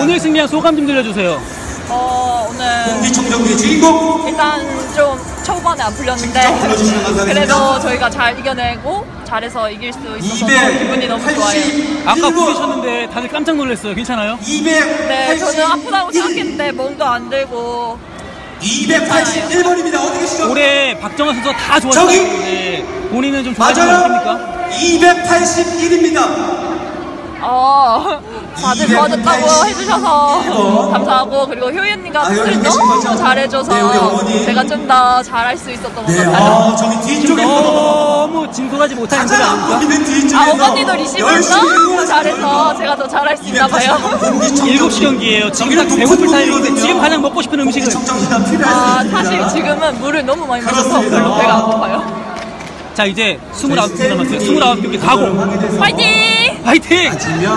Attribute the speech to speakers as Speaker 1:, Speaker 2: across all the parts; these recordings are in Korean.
Speaker 1: 오늘 승리한 소감 좀 들려주세요.
Speaker 2: 오늘
Speaker 3: 공기청정기의 주인공
Speaker 2: 일단 좀 초반에 안 풀렸는데 그래도 저희가 잘 이겨내고 잘해서 이길 수 있어서 기분이 너무 좋아요.
Speaker 1: 아까 부딪혔는데 다들 깜짝 놀랐어요. 괜찮아요?
Speaker 2: 네, 저는 아프다고 생각했는데 몸도 안 들고
Speaker 3: 281번입니다. 어디 계시죠?
Speaker 1: 올해 박정환 선수가 다 좋았는데 본인은 좀 좋아하시는 거 아닙니까?
Speaker 3: 281입니다.
Speaker 2: 다들 도와줬다고 해주셔서 감사하고, 그리고 효이 언니가 수술 너무 잘해줘서 제가 좀 더 잘할 수 있었던 것 같아요.
Speaker 3: 저기 뒤쪽에
Speaker 1: 너무 진솔하지 못한 소리 아닙니까?
Speaker 2: 어머니도 리시브를 너무 잘해서 제가 더 잘할 수 있나 봐요.
Speaker 1: 7시 경기예요. 지금 딱 배고플 타이밍인데 지금 가장 먹고 싶은 음식은?
Speaker 2: 사실 지금은 물을 너무 많이 마셔서 별로 배가 안 고파요.
Speaker 1: 자, 이제 29경 남았어요. 29경기 가고
Speaker 2: 파이팅!
Speaker 1: 파이팅!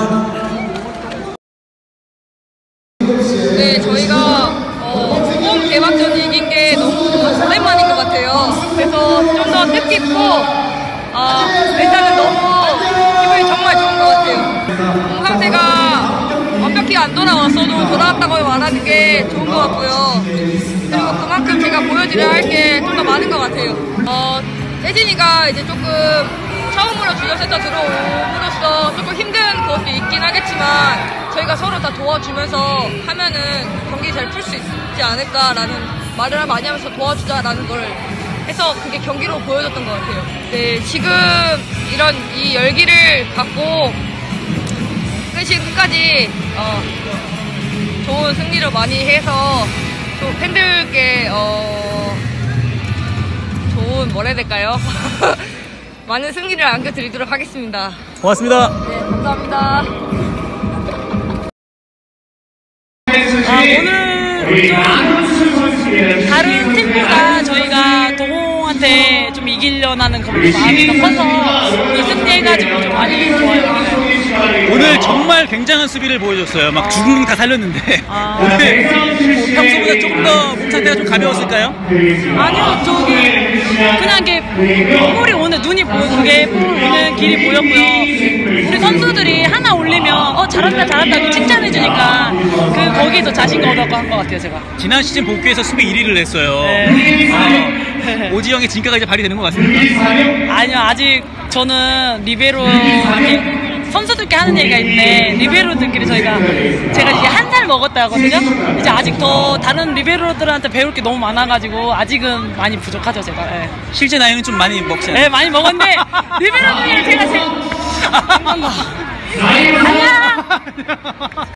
Speaker 4: 네, 저희가 홈 개막전 이긴 게 너무 오랜만인 것 같아요. 그래서 좀 더 뜻깊고 일단은 너무 기분이 정말 좋은 것 같아요. 몸 상태가 완벽히 안 돌아왔어도 돌아왔다고 말하는 게 좋은 것 같고요. 그리고 그만큼 제가 보여드려야 할 게 좀 더 많은 것 같아요. 혜진이가 이제 조금 처음으로 주전센터 들어옴으로써 조금 힘든 것도 있긴 하겠지만 저희가 서로 다 도와주면서 하면은 경기 잘 풀 수 있지 않을까라는 말을 많이 하면서 도와주자라는 걸 해서 그게 경기로 보여줬던 것 같아요. 네, 지금 이런 이 열기를 갖고 끝까지 좋은 승리를 많이 해서 또 팬들께 좋은 뭐라 해야 될까요? 많은 승리를 안겨드리도록 하겠습니다.
Speaker 1: 고맙습니다.
Speaker 2: 네, 감사합니다.
Speaker 5: 오늘 좀 다른 팀보다 저희가 동호한테 좀 이기려는 하는 그런 마음이 더 커서 이 승리해가지고 좀 많이 좋아요.
Speaker 1: 오늘 정말 굉장한 수비를 보여줬어요. 막 죽은 다 살렸는데 오늘 뭐 평소보다 조금 더 몸 상태가 좀 가벼웠을까요?
Speaker 5: 아니요, 그냥 이게 볼이 오는 눈이 보이는 게 볼 오는 길이 보였고요. 우리 선수들이 하나 올리면 잘한다 잘한다 칭찬해주니까 거기서 자신감 얻어서 한 것 같아요, 제가.
Speaker 1: 지난 시즌 복귀에서 수비 1위를 했어요.
Speaker 5: 네.
Speaker 1: 오지영의 진가가 이제 발휘되는 것 같습니까?
Speaker 5: 아니요, 아직 저는 리베로 선수들께 하는 얘기가 있는데 리베로들끼리 제가 이제 한 살 먹었다 하거든요. 이제 아직 더 다른 리베로들한테 배울 게 너무 많아가지고 아직은 많이 부족하죠, 제가. 네.
Speaker 1: 실제 나이는 좀 많이 먹지 않아요?
Speaker 5: 네, 많이 먹었는데 리베로들이 제가 아니야.